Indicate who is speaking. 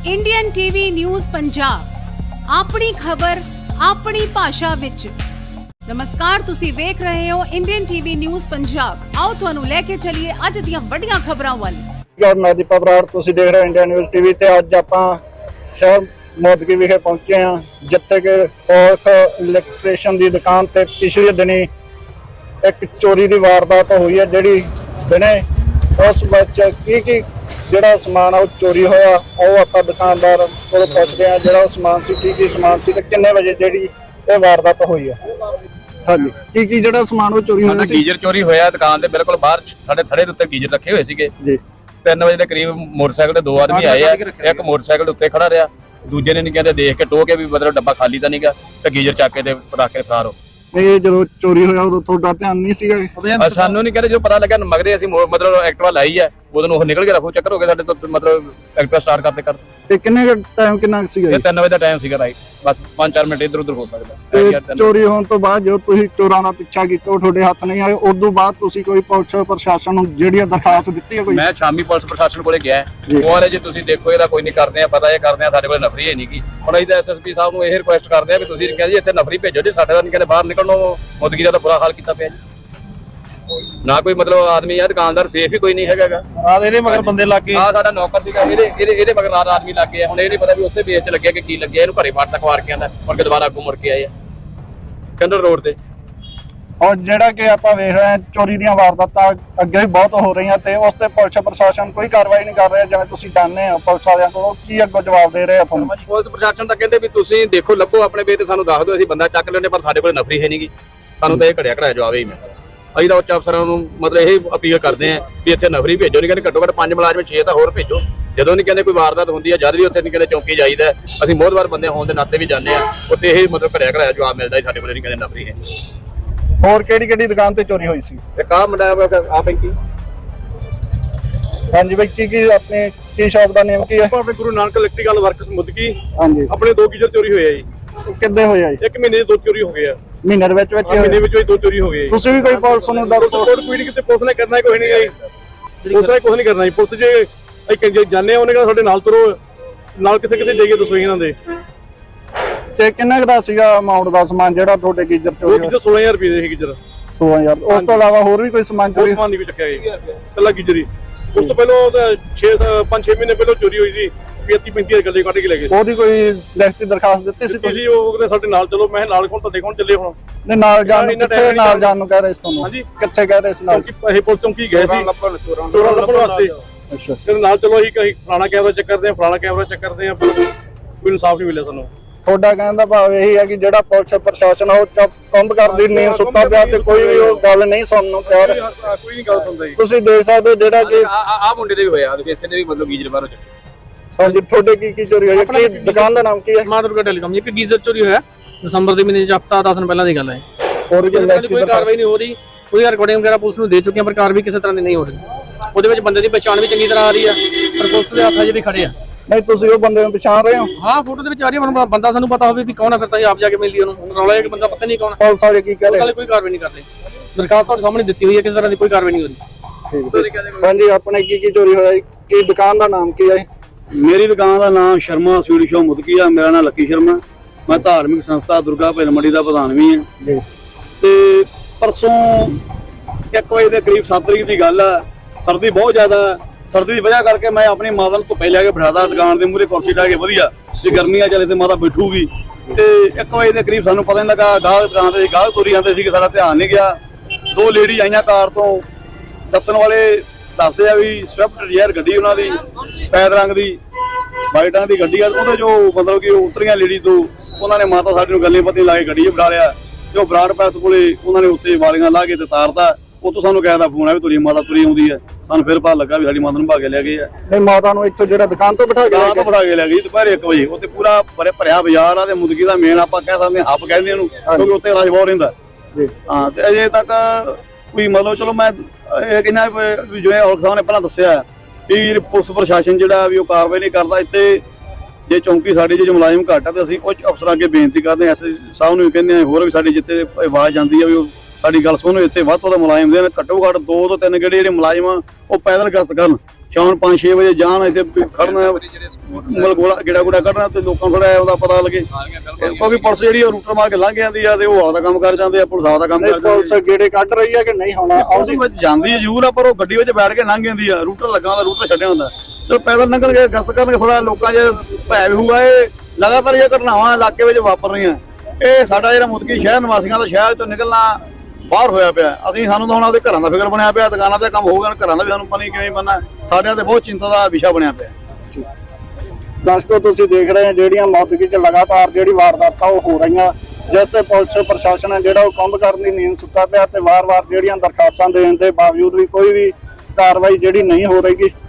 Speaker 1: Indian TV news Punjab ਆਪਣੀ ਖਬਰ ਆਪਣੀ ਭਾਸ਼ਾ ਵਿੱਚ। ਨਮਸਕਾਰ, ਤੁਸੀਂ ਵੇਖ ਰਹੇ ਹੋ ਇੰਡੀਅਨ ਟੀਵੀ ਨਿਊਜ਼ ਪੰਜਾਬ। ਆਓ ਤੁਹਾਨੂੰ ਲੈ ਕੇ ਚੱਲੀਏ ਅੱਜ ਦੀਆਂ ਵੱਡੀਆਂ ਖਬਰਾਂ ਵੱਲ।
Speaker 2: ਮੈਂ ਦੀਪਕ ਬਰਾੜ, ਤੁਸੀਂ ਦੇਖ ਰਹੇ ਹੋ ਇੰਡੀਅਨ ਨਿਊਜ਼ ਟੀਵੀ ਤੇ ਅੱਜ ਆਪਾਂ ਸ਼ਹਿਰ ਮੋਦਕੀ ਵਿਖੇ ਪਹੁੰਚੇ ਹਾਂ, ਜਿੱਥੇ ਕਿ ਔਰਖ ਇਲੈਕਟ੍ਰੀਸ਼ੀਅਨ ਦੀ ਦੁਕਾਨ ਤੇ ਪਿਛਲੇ ਦਿਨੀ ਇੱਕ ਚੋਰੀ ਦੀ ਵਾਰਦਾਤ ਹੋਈ ਹੈ, ਜਿਹੜੀ ਦਿਨੇ ਉਸ ਵਿੱਚ ਕੀ ਜਿਹੜਾ ਸਮਾਨ ਆ ਉਹ ਚੋਰੀ ਹੋਇਆ। ਉਹ ਆਪਾਂ ਦੁਕਾਨਦਾਰ ਕੋਲ ਪੁੱਛਦੇ ਹਾਂ ਜਿਹੜਾ ਉਹ ਸਮਾਨ ਸੀ, ਕੀ ਸਮਾਨ ਸੀ ਤੇ ਕਿੰਨੇ ਵਜੇ ਜਿਹੜੀ ਇਹ ਵਾਰਦਾਤ ਹੋਈ ਹੈ। ਹਾਂਜੀ, ਕੀ ਜਿਹੜਾ ਸਮਾਨ ਉਹ ਚੋਰੀ ਹੋਇਆ ਸੀ?
Speaker 3: ਗੀਜ਼ਰ ਚੋਰੀ ਹੋਇਆ ਦੁਕਾਨ ਦੇ ਬਿਲਕੁਲ ਬਾਹਰ ਸਾਡੇ ਥੜੇ ਦੇ ਉੱਤੇ ਗੀਜ਼ਰ ਰੱਖੇ ਹੋਏ ਸੀਗੇ ਜੀ। 3 ਵਜੇ ਦੇ ਕਰੀਬ ਮੋਟਰਸਾਈਕਲ ਤੇ 2 ਆਦਮੀ ਆਏ ਆ, ਇੱਕ ਮੋਟਰਸਾਈਕਲ ਦੇ ਉੱਤੇ ਖੜਾ ਰਿਹਾ, ਦੂਜੇ ਨੇ ਨਹੀਂ ਕਹਿੰਦੇ ਦੇਖ ਕੇ ਟੋਹ ਕੇ ਵੀ ਮਤਲਬ ਡੱਬਾ ਖਾਲੀ ਤਾਂ ਨਹੀਂਗਾ ਤੇ ਗੀਜ਼ਰ ਚੱਕ ਕੇ ਤੇ ਰੱਖ ਕੇ ਫਰਾਰ ਹੋ।
Speaker 2: ਇਹ ਜਦੋਂ ਚੋਰੀ ਹੋਇਆ ਉਦੋਂ ਤੁਹਾਡਾ ਧਿਆਨ ਨਹੀਂ ਸੀਗਾ?
Speaker 3: ਸਾਨੂੰ ਨਹੀਂ ਕਹਿੰਦੇ, ਜੋ ਪਤਾ ਲੱਗਾ ਮਗਰੇ ਅਸੀਂ ਮਤਲਬ ਐਕਟਿਵਾ ਲਾਈ ਹੈ, ਉਦੋਂ ਉਹ ਨਿਕਲ ਕੇ ਰੱਖੋ ਚੱਕਰ ਹੋ ਗਏ ਸਾਡੇ ਤੋਂ, ਮਤਲਬ ਐਕਟਿਵਾ ਸਟਾਰਟ ਕਰਦੇ
Speaker 2: ਤੇ ਕਿੰਨੇ ਟਾਈਮ ਕਿੰਨਾ ਸੀਗਾ?
Speaker 3: ਇਹ 3 ਵਜੇ ਦਾ ਟਾਈਮ ਸੀਗਾ ਰਾਈਟ, ਬਸ 5-4 ਮਿੰਟ ਇੱਧਰ ਉੱਧਰ ਹੋ ਸਕਦਾ।
Speaker 2: ਚੋਰੀ ਹੋਣ ਤੋਂ ਬਾਅਦ ਜਦੋਂ ਤੁਸੀਂ ਚੋਰਾਂ ਦਾ ਪਿੱਛਾ ਕੀਤਾ ਉਹ ਤੁਹਾਡੇ ਹੱਥ ਨਹੀਂ ਆਏ, ਉਸ ਤੋਂ ਬਾਅਦ ਤੁਸੀਂ ਕੋਈ ਪੁਲਿਸ ਪ੍ਰਸ਼ਾਸਨ ਨੂੰ ਜਿਹੜੀ ਦਰਖਾਸਤ ਦਿੱਤੀ ਹੈ ਕੋਈ?
Speaker 3: ਮੈਂ ਸ਼ਾਮੀ ਪੁਲਿਸ ਪ੍ਰਸ਼ਾਸਨ ਕੋਲੇ ਗਿਆ, ਉਹ ਵਾਲੇ ਜੇ ਤੁਸੀਂ ਦੇਖੋ ਇਹਦਾ ਕੋਈ ਨਹੀਂ ਕਰਦੇ ਆ, ਪਤਾ ਇਹ ਕਰਦੇ ਆ, ਸਾਡੇ ਕੋਲ ਨਫਰੀ ਹੈ ਨਹੀਂ ਗੀ। ਹੁਣ ਅਸੀਂ ਤਾਂ ਐਸਐਸਪੀ ਸਾਹਿਬ ਨੂੰ ਇਹ ਰਿਕੁਐਸਟ ਕਰਦੇ ਆ ਵੀ ਤੁਸੀਂ ਕਹਿੰਦੇ ਜੀ ਇੱਥੇ ਨਫਰੀ ਭੇਜੋ, ਜੇ ਸਾਡੇ ਦਾ ਨਹੀਂ ਕਹਿੰਦੇ ਬਾਹਰ ਨਿਕਲਣੋਂ। ਮੁਦਗੀ ਦਾ ਤਾਂ ਬੁਰਾ ਹਾਲ ਕੀਤਾ ਪਿਆ ਜੀ, ਨਾ ਕੋਈ ਮਤਲਬ ਆਦਮੀ ਆ, ਦੁਕਾਨਦਾਰ ਸੇਫ ਹੀ ਕੋਈ ਨਹੀਂ ਹੈਗਾ। ਆ ਇਹਦੇ ਮਗਰ ਬੰਦੇ ਲੱਗ ਗਏ, ਆ ਸਾਡਾ ਨੌਕਰ ਸੀਗਾ, ਇਹਦੇ ਮਗਰ ਨਾਲ ਆਦਮੀ ਲੱਗ ਗਏ। ਹੁਣ ਇਹ ਨਹੀਂ ਪਤਾ ਵੀ ਉੱਥੇ ਬੇਚ ਲੱਗਿਆ ਕਿ ਕੀ ਲੱਗਿਆ, ਇਹਨੂੰ ਘਰੇ ਫੜ ਤੱਕ ਵਾਰ ਕੇ ਆਂਦਾ, ਮੁੜ ਕੇ ਦੁਬਾਰਾ ਅੱਗੋਂ ਮੁੜ ਕੇ ਆਏ ਆ ਕੰਡਲ ਰੋਡ ਤੇ।
Speaker 2: ਔਰ ਜਿਹੜਾ ਕਿ ਆਪਾਂ ਵੇਖ ਰਹੇ ਹਾਂ ਚੋਰੀ ਦੀਆਂ ਵਾਰਦਾਤਾਂ ਅੱਗੇ ਵੀ ਬਹੁਤ ਹੋ ਰਹੀਆਂ ਤੇ ਉਸ ਤੇ ਪੁਲਿਸ ਪ੍ਰਸ਼ਾਸਨ ਕੋਈ ਕਾਰਵਾਈ ਨਹੀਂ ਕਰ ਰਿਹਾ। ਜਿਵੇਂ ਤੁਸੀਂ ਜਾਣਦੇ ਹੋ ਪੁਲਿਸ ਵਾਲਿਆਂ ਕੋਲੋਂ ਕੀ ਅੱਗੋਂ ਜਵਾਬ ਦੇ ਰਹੇ ਆ ਤੁਹਾਨੂੰ?
Speaker 3: ਪੁਲਿਸ ਪ੍ਰਸ਼ਾਸਨ ਤਾਂ ਕਹਿੰਦੇ ਵੀ ਤੁਸੀਂ ਦੇਖੋ ਲੱਭੋ ਆਪਣੇ ਬੇਟ, ਸਾਨੂੰ ਦੱਸ ਦਿਓ, ਅਸੀਂ ਬੰਦਾ ਚੱਕ ਲੈਂਦੇ, ਪਰ ਸਾਡੇ ਕੋਲ ਨਫਰੀ ਹੈ ਨਹੀਂਗੀ। ਸਾਨੂੰ ਤਾਂ ਇਹ ਘੜਿਆ ਜਵਾਬ ਹੀ ਮਿਲਦਾ। ਅਸੀਂ ਤਾਂ ਉੱਚ ਅਫਸਰਾਂ ਨੂੰ ਮਤਲਬ ਇਹ ਅਪੀਲ ਕਰਦੇ ਹਾਂ ਵੀ ਇੱਥੇ ਨਫਰੀ ਭੇਜੋ, ਨਹੀਂ ਕਹਿੰਦੇ ਘੱਟੋ ਘੱਟ 5 ਮੁਲਾਜ਼ਮ 6 ਤਾਂ ਹੋਰ ਭੇਜੋ। ਜਦੋਂ ਨਹੀਂ ਕਹਿੰਦੇ ਕੋਈ ਵਾਰਦਾਤ ਹੁੰਦੀ ਹੈ, ਜਦ ਵੀ ਉੱਥੇ ਨਹੀਂ ਕਹਿੰਦੇ ਚੌਂਕੀ ਜਾਈਦਾ, ਅਸੀਂ ਮੋਹਤਵਾਰ ਬੰਦੇ ਹੋਣ ਦੇ ਨਾਤੇ ਵੀ ਜਾਂਦੇ ਆ, ਉੱਥੇ ਇਹ ਮਤਲਬ ਘੜਿਆ ਜਵਾਬ ਮਿਲਦਾ ਸਾਡੇ ਕੋਲ ਨਹੀਂ ਕਹਿੰਦੇ ਨਫਰੀ ਹੈ।
Speaker 2: ਹੋਰ ਕਿਹੜੀ ਦੁਕਾਨ ਤੇ ਚੋਰੀ ਹੋਈ ਸੀ?
Speaker 3: ਇੱਕ ਆਹ ਮੁੰਡਾ ਆ ਬੈਂਕੀ।
Speaker 2: ਹਾਂਜੀ ਬਾਈ, ਕੀ ਆਪਣੇ ਕੀ ਸ਼ਾਪ ਦਾ ਨੇਮ ਕੀ ਹੈ?
Speaker 4: ਆਪਣੇ ਗੁਰੂ ਨਾਨਕ ਇਲੈਕਟ੍ਰੀਕਲ ਵਰਕਸ ਮੁਦਕੀ।
Speaker 2: ਹਾਂਜੀ,
Speaker 4: ਆਪਣੇ 2 ਗੀਜ਼ਰ ਚੋਰੀ ਹੋਏ ਆ ਜੀ।
Speaker 2: ਕਿੱਦੇ ਹੋਏ ਆ ਜੀ?
Speaker 4: 1 ਮਹੀਨੇ ਦੇ 2 ਚੋਰੀ ਹੋ ਗਏ ਆ।
Speaker 2: ਮਹੀਨੇ ਦੇ ਵਿੱਚ
Speaker 4: ਮਹੀਨੇ ਵਿੱਚ 2 ਚੋਰੀ ਹੋ ਗਏ।
Speaker 2: ਤੁਸੀਂ ਵੀ ਕੋਈ ਪੁਲਿਸ ਨੂੰ
Speaker 4: ਰਿਪੋਰਟ ਕੋਈ ਨਹੀਂ, ਕਿਤੇ ਪੁਲਿਸ ਨੇ ਕਰਨਾ ਕੋਈ ਨਹੀਂ ਜੀ, ਪੁਲਿਸ ਨੇ ਕੁਝ ਨਹੀਂ ਕਰਨਾ ਜੀ। ਪੁਲਿਸ ਜੇ ਅਸੀਂ ਜਾਣੇ ਆ, ਉਹਨੇ ਕਹਿੰਦਾ ਸਾਡੇ ਨਾਲ ਤੁਰੋ, ਨਾਲ ਕਿੱਥੇ ਜਾਈਏ ਦੱਸੋ ਇਹਨਾਂ ਦੇ।
Speaker 2: ਤੇ ਕਿੰਨਾ ਕੁ ਦਾ ਸੀਗਾ ਅਮਾਉਂਟ ਦਾ ਸਮਾਨ ਜਿਹੜਾ ਤੁਹਾਡੇ ਗੀਜ਼ਰ ਚੋਰੀ ਹੋਇਆ?
Speaker 4: 16000 ਰੁਪਏ ਦੇ ਸੀ ਗੀਜ਼ਰ।
Speaker 2: 16000? ਉਸ ਤੋਂ ਇਲਾਵਾ ਹੋਰ ਵੀ ਕੋਈ ਸਮਾਨ ਚੋਰੀ?
Speaker 4: ਸਮਾਨ ਨਹੀਂ ਕੋਈ ਚੱਕਿਆ ਜੀ, ਕੱਲਾ ਗੀਜ਼ਰ ਹੀ। ਉਸ ਤੋਂ ਪਹਿਲਾਂ 5-6 ਮਹੀਨੇ ਪਹਿਲਾਂ ਚੋਰੀ ਹੋਈ ਸੀ, 35 ਗੱਲੇ ਕੱਢ ਕੇ ਲੈ ਗਏ।
Speaker 2: ਉਹਦੀ ਕੋਈ ਲਿਖਤੀ ਦਰਖਾਸਤ ਦਿੱਤੀ ਸੀ
Speaker 4: ਤੁਸੀਂ? ਉਹ ਕਹਿੰਦੇ ਸਾਡੇ ਨਾਲ ਚਲੋ। ਮੈਂ ਨਾਲ ਕੋਲ ਤੁਹਾਡੇ ਕੋਲ ਚੱਲੇ ਹੁਣ।
Speaker 2: ਨਹੀਂ, ਨਾਲ ਜਾਣ ਨੂੰ ਕਿੱਥੇ ਨਾਲ ਜਾਣ ਨੂੰ ਕਹਿ ਰਹੇ ਸੀ ਤੁਹਾਨੂੰ?
Speaker 4: ਹਾਂਜੀ,
Speaker 2: ਕਿੱਥੇ ਕਹਿ ਰਹੇ ਸੀ ਨਾਲ?
Speaker 4: ਇਹ ਪੁਲਿਸ ਚੌਂਕੀ ਗਏ ਸੀ ਚੋਰਾਂ ਲੱਭਣ ਵਾਸਤੇ।
Speaker 2: ਅੱਛਾ,
Speaker 4: ਤੇ ਨਾਲ ਚਲੋ ਅਸੀਂ ਫਲਾਣਾ ਕੈਮਰਾ ਚੈੱਕ ਕਰਦੇ ਆ, ਫਲਾਣਾ ਕੈਮਰਾ ਚੈੱਕ ਕਰਦੇ ਆ, ਕੋਈ ਇਨਸਾਫ ਨਹੀਂ ਮਿਲਿਆ ਸਾਨੂੰ।
Speaker 2: ਤੁਹਾਡਾ ਕਹਿਣ ਦਾ ਭਾਵ ਇਹੀ ਹੈ ਕਿ ਜਿਹੜਾ ਪੁਲਿਸ ਪ੍ਰਸ਼ਾਸਨ ਉਹ ਕੰਧ ਕਰਦੀ ਨਹੀਂ, ਸੁੱਤਾ ਪਿਆ ਤੇ ਕੋਈ ਵੀ ਉਹ ਗੱਲ ਨਹੀਂ ਸੁਣਨ ਨੂੰ ਤਿਆਰ।
Speaker 4: ਕੋਈ ਨਹੀਂ ਗੱਲ ਸੁਣਦਾ ਜੀ।
Speaker 2: ਤੁਸੀਂ ਦੇਖ ਸਕਦੇ ਹੋ ਜਿਹੜਾ ਕਿ
Speaker 3: ਆ ਮੁੰਡੇ ਦੇ ਵੀ ਹੋਇਆ, ਕਿਸੇ ਨੇ ਵੀ ਮਤਲਬ ਗੀਜ਼ਰ ਬਾਹਰੋਂ ਚੱਕਿਆ।
Speaker 2: ਹਾਂਜੀ, ਤੁਹਾਡੇ ਕੀ ਚੋਰੀ ਹੋਈ? ਕੀ ਦੁਕਾਨ ਦਾ ਨਾਮ ਕੀ ਹੈ?
Speaker 5: ਮਾਂ ਦੁਰਗਾ ਟੈਲੀਕਾਮ। ਇੱਕ ਗੀਜ਼ਰ ਚੋਰੀ ਹੋਇਆ ਦਸੰਬਰ ਦੇ ਮਹੀਨੇ ਚ, ਹਫ਼ਤਾ 10 ਦਿਨ ਪਹਿਲਾਂ ਦੀ ਗੱਲ ਹੈ।
Speaker 2: ਹੋਰ
Speaker 5: ਕੋਈ ਕਾਰਵਾਈ ਨਹੀਂ ਹੋ ਰਹੀ, ਕੋਈ ਰਿਕਾਰਡਿੰਗ ਵਗੈਰਾ ਪੁਲਿਸ ਨੂੰ ਦੇ ਚੁੱਕੇ ਆ, ਪਰ ਕਾਰਵਾਈ ਕਿਸੇ ਤਰ੍ਹਾਂ ਦੀ ਨਹੀਂ ਹੋ ਰਹੀ। ਉਹਦੇ ਵਿੱਚ ਬੰਦੇ ਦੀ ਪਛਾਣ ਵੀ ਚੰਗੀ ਤਰ੍ਹਾਂ ਆ ਰਹੀ ਆ, ਪਰ ਪੁਲਿਸ ਦੇ ਹੱਥ 'ਚ ਵੀ ਖੜੇ ਆ।
Speaker 2: ਨਹੀਂ, ਤੁਸੀਂ ਉਹ ਬੰਦੇ ਨੂੰ ਪਛਾਣ ਰਹੇ ਹੋ?
Speaker 5: ਹਾਂ, ਫੋਟੋ ਦੇ ਵਿੱਚ ਆ ਰਹੀ ਹੈ, ਬੰਦਾ ਸਾਨੂੰ ਪਤਾ ਹੋਵੇ ਵੀ ਕੌਣ ਹੈ, ਫਿਰ ਤਾਂ ਆਪ ਜਾ ਕੇ ਮਿਲ ਲਈ ਉਹਨੂੰ। ਰੌਲਾ ਹੈ ਕਿ ਬੰਦਾ ਪਤਾ ਨਹੀਂ ਕੌਣ।
Speaker 2: ਪੁਲਿਸ ਵਾਲੇ ਕੀ ਕਹਿ ਰਹੇ?
Speaker 5: ਕੋਈ ਕਾਰਵਾਈ ਨਹੀਂ ਕਰਦੇ। ਦਰਖਾਸਤ ਤੁਹਾਡੇ ਸਾਹਮਣੇ ਦਿੱਤੀ ਹੋਈ ਹੈ, ਕਿਸੇ ਤਰ੍ਹਾਂ ਦੀ ਕੋਈ ਕਾਰਵਾਈ ਨਹੀਂ ਹੋ ਰਹੀ।
Speaker 2: ਹਾਂਜੀ, ਆਪਣੇ ਕੀ ਚੋਰੀ ਹੋਇਆ? ਕੀ ਦੁਕਾਨ ਦਾ ਨਾਮ ਕੀ ਹੈ?
Speaker 6: ਮੇਰੀ ਦੁਕਾਨ ਦਾ ਨਾਮ ਸ਼ਰਮਾ ਸਵੀਟ ਸ਼ਾਪ ਮੁਦਕੀ ਆ। ਮੇਰਾ ਨਾਮ ਲੱਕੀ ਸ਼ਰਮਾ। ਮੈਂ ਧਾਰਮਿਕ ਸੰਸਥਾ ਦੁਰਗਾ ਭੈਣ ਮੰਡੀ ਦਾ ਪ੍ਰਧਾਨ ਵੀ ਹਾਂ। ਤੇ ਪਰਸੋਂ 1 ਵਜੇ ਦੇ ਕਰੀਬ 7 ਤਰੀਕ ਦੀ ਗੱਲ ਆ। ਸਰਦੀ ਬਹੁਤ ਜ਼ਿਆਦਾ, ਸਰਦੀ ਦੀ ਵਜ੍ਹਾ ਕਰਕੇ ਮੈਂ ਆਪਣੀ ਮਾਤਾ ਨੂੰ ਧੁੱਪੇ ਲੈ ਕੇ ਬਿਠਾਦਾ ਦੁਕਾਨ ਦੇ ਮੂਹਰੇ ਕੁਰਸੀ ਢਾ ਕੇ ਵਧੀਆ, ਜੇ ਗਰਮੀ ਆ ਚਲੇ ਤੇ ਮਾਤਾ ਬੈਠੂਗੀ। ਤੇ 1 ਵਜੇ ਦੇ ਕਰੀਬ ਸਾਨੂੰ ਪਤਾ ਨਹੀਂ ਲੱਗਾ, ਗਾਹਕ ਦੁਕਾਨ ਤੇ ਗਾਹਕ ਤੁਰੀ ਜਾਂਦੇ ਸੀ, ਸਾਡਾ ਧਿਆਨ ਨਹੀਂ ਗਿਆ। 2 ਲੇਡੀ ਆਈਆਂ ਕਾਰ ਤੋਂ, ਦੱਸਣ ਵਾਲੇ ਦੱਸਦੇ ਆ ਵੀ ਸਵਿਫਟ ਡਿਜ਼ਾਇਰ ਗੱਡੀ ਉਹਨਾਂ ਦੀ, ਸਫੈਦ ਰੰਗ ਦੀ ਵਾਈਟ ਰੰਗ ਦੀ ਗੱਡੀ ਆ। ਉਹਦੇ ਜੋ ਮਤਲਬ ਕਿ ਉਤਰੀਆਂ ਲੇਡੀ ਤੋਂ, ਉਹਨਾਂ ਨੇ ਮਾਤਾ ਸਾਡੀ ਨੂੰ ਗੱਲੇ ਪੱਤੀ ਲਾ ਕੇ ਗੱਡੀ 'ਚ ਬਿਠਾ ਲਿਆ। ਜੋ ਬਰਾੜ ਪੈਸ ਕੋਲੇ ਉਹਨਾਂ ਨੇ ਉੱਤੇ ਵਾਲੀਆਂ ਲਾ ਕੇ ਤੇ ਤਾਰਦਾ। ਉਤੋਂ ਸਾਨੂੰ ਕਹਿ ਦਾ ਫੋਨ ਆ ਵੀ ਤੁਰੀ ਮਾਤਾ ਤੁਰੀ ਆਉਂਦੀ ਹੈ। ਸਾਨੂੰ ਫਿਰ ਪਤਾ ਲੱਗਾ ਵੀ ਸਾਡੀ ਮਾਤਾ ਨੂੰ ਭਾਗੇ ਲੈ ਗਏ ਆ।
Speaker 2: ਨਹੀਂ, ਮਾਤਾ ਨੂੰ ਇੱਥੋਂ ਜਿਹੜਾ ਦੁਕਾਨ ਤੋਂ ਬਿਠਾ ਕੇ
Speaker 6: ਲੈ ਗਈ ਦੁਪਹਿਰ 1 ਵਜੇ। ਉੱਥੇ ਪੂਰਾ ਭਰਿਆ ਬਾਜ਼ਾਰ ਆ ਤੇ ਮੁਦਕੀ ਦਾ ਮੇਨ ਆਪਾਂ ਕਹਿ ਸਕਦੇ ਹਾਂ ਹੱਬ ਕਹਿੰਦੇ ਉਹਨੂੰ, ਕਿਉਂਕਿ ਉੱਤੇ ਰਸ਼ ਬਹੁਤ ਰਹਿੰਦਾ। ਹਾਂ, ਤੇ ਅਜੇ ਤੱਕ ਕੋਈ ਮਤਲਬ ਚਲੋ ਮੈਂ ਇਹ ਕਹਿੰਦਾ ਵੀ ਜਿਵੇਂ ਔਰਖ ਸਾਹਿਬ ਨੇ ਪਹਿਲਾਂ ਦੱਸਿਆ ਵੀ ਪੁਲਿਸ ਪ੍ਰਸ਼ਾਸਨ ਜਿਹੜਾ ਵੀ ਉਹ ਕਾਰਵਾਈ ਨਹੀਂ ਕਰਦਾ। ਇੱਥੇ ਜੇ ਚੌਂਕੀ ਸਾਡੀ ਜੇ ਮੁਲਾਜ਼ਮ ਘੱਟ ਆ ਤੇ ਅਸੀਂ ਉੱਚ ਅਫਸਰਾਂ ਅੱਗੇ ਬੇਨਤੀ ਕਰਦੇ ਹਾਂ, ਐਸਐਸਪੀ ਸਾਹਿਬ ਨੂੰ ਵੀ ਕਹਿੰਦੇ ਹਾਂ, ਹੋਰ ਵੀ ਸਾਡੇ ਜਿੱਥੇ ਆਵਾਜ਼ ਜਾਂਦੀ ਆ ਵੀ ਉਹ ਸਾਡੀ ਗੱਲ ਸੁਣੋ, ਇੱਥੇ ਵੱਧ ਤੋਂ ਵੱਧ ਮੁਲਾਜ਼ਮ ਦੇ ਘੱਟੋ ਘੱਟ 2 ਤੋਂ 3 ਗੇੜੇ ਜਿਹੜੇ ਮੁਲਾਜ਼ਮ ਆ ਉਹ ਪੈਦਲ ਗਸ਼ਤ ਕਰਨ, ਸ਼ਾਮ 5-6 ਵਜੇ ਜਾਣ, ਇੱਥੇ ਖੜਨਾ ਮਤਲਬ ਗੇੜਾ ਗੁੜਾ ਕੱਢਣਾ ਤੇ ਲੋਕਾਂ ਨੂੰ ਥੋੜਾ ਉਹਦਾ ਪਤਾ ਲੱਗੇ, ਕਿਉਂਕਿ ਪੁਲਿਸ ਜਿਹੜੀ ਉਹ ਰੂਟਰ ਮਾਰ ਕੇ ਲੰਘ ਜਾਂਦੀ ਆ ਤੇ ਉਹ ਆਪਦਾ ਕੰਮ ਕਰ ਜਾਂਦੇ ਆ, ਪੁਲਿਸ ਆਪਦਾ ਕੰਮ ਕਰ ਜਾਂਦੀ
Speaker 2: ਪੁਲਿਸ ਗੇੜੇ ਕੱਢ ਰਹੀ ਹੈ ਕਿ ਨਹੀਂ ਹੋਣਾ
Speaker 6: ਆਉਂਦੀ ਵਿੱਚ ਜਾਂਦੀ ਹੈ ਜ਼ਰੂਰ ਆ, ਪਰ ਉਹ ਗੱਡੀ ਵਿੱਚ ਬੈਠ ਕੇ ਲੰਘ ਜਾਂਦੀ ਆ, ਰੂਟਰ ਲੱਗਾ ਹੁੰਦਾ, ਰੂਟਰ ਛੱਡਿਆ ਹੁੰਦਾ, ਤੇ ਪੈਦਲ ਲੰਘਣਗੇ ਗਸ਼ਤ ਕਰਨਗੇ, ਥੋੜਾ ਲੋਕਾਂ 'ਚ ਭੈ ਵੀ ਹੋਊਗਾ। ਇਹ ਲਗਾਤਾਰ ਇਹ ਘਟਨਾਵਾਂ ਇਲਾਕੇ ਵਿੱਚ ਵਾਪਰ ਰਹੀਆਂ, ਇਹ ਸਾਡਾ ਜਿਹੜਾ ਮੁਦਕੀ ਸ਼ਹਿਰ ਨਿਵਾਸੀਆਂ ਦਾ ਸ਼ਹਿਰ ਤੋਂ ਨਿਕਲਣਾ ਬਾਹਰ ਹੋਇਆ ਪਿਆ। ਸਾਨੂੰ ਤਾਂ ਹੁਣ ਉਹਦੇ ਘਰਾਂ ਦਾ ਫਿਕਰ ਬਣਿਆ ਪਿਆ, ਦੁਕਾਨਾਂ ਤੇ ਕੰਮ ਹੋਊਗਾ, ਘਰਾਂ ਦਾ ਵੀ ਸਾਨੂੰ ਪਤਾ ਨਹੀਂ ਕਿਵੇਂ ਬਣਨਾ, ਸਾਡਿਆਂ ਤੇ ਬਹੁਤ ਚਿੰਤਾ ਦਾ ਵਿਸ਼ਾ ਬਣਿਆ ਪਿਆ।
Speaker 2: ਦਰਸ਼ਕੋ ਤੁਸੀਂ ਦੇਖ ਰਹੇ ਹੋ ਜਿਹੜੀਆਂ ਮੌਦਗੀ 'ਚ ਲਗਾਤਾਰ ਜਿਹੜੀ ਵਾਰਦਾਤਾਂ ਉਹ ਹੋ ਰਹੀਆਂ, ਜਿਸ ਤੇ ਪੁਲਿਸ ਪ੍ਰਸ਼ਾਸਨ ਹੈ ਜਿਹੜਾ ਉਹ ਕੰਮ ਕਰਨ ਦੀ ਨੀਂਦ ਸੁੱਤਾ ਪਿਆ ਤੇ ਵਾਰ-ਵਾਰ ਜਿਹੜੀਆਂ ਦਰਖਾਸਤਾਂ ਦੇਣ ਦੇ ਬਾਵਜੂਦ ਵੀ ਕੋਈ ਵੀ ਕਾਰਵਾਈ ਜਿਹੜੀ ਨਹੀਂ ਹੋ ਰਹੀ।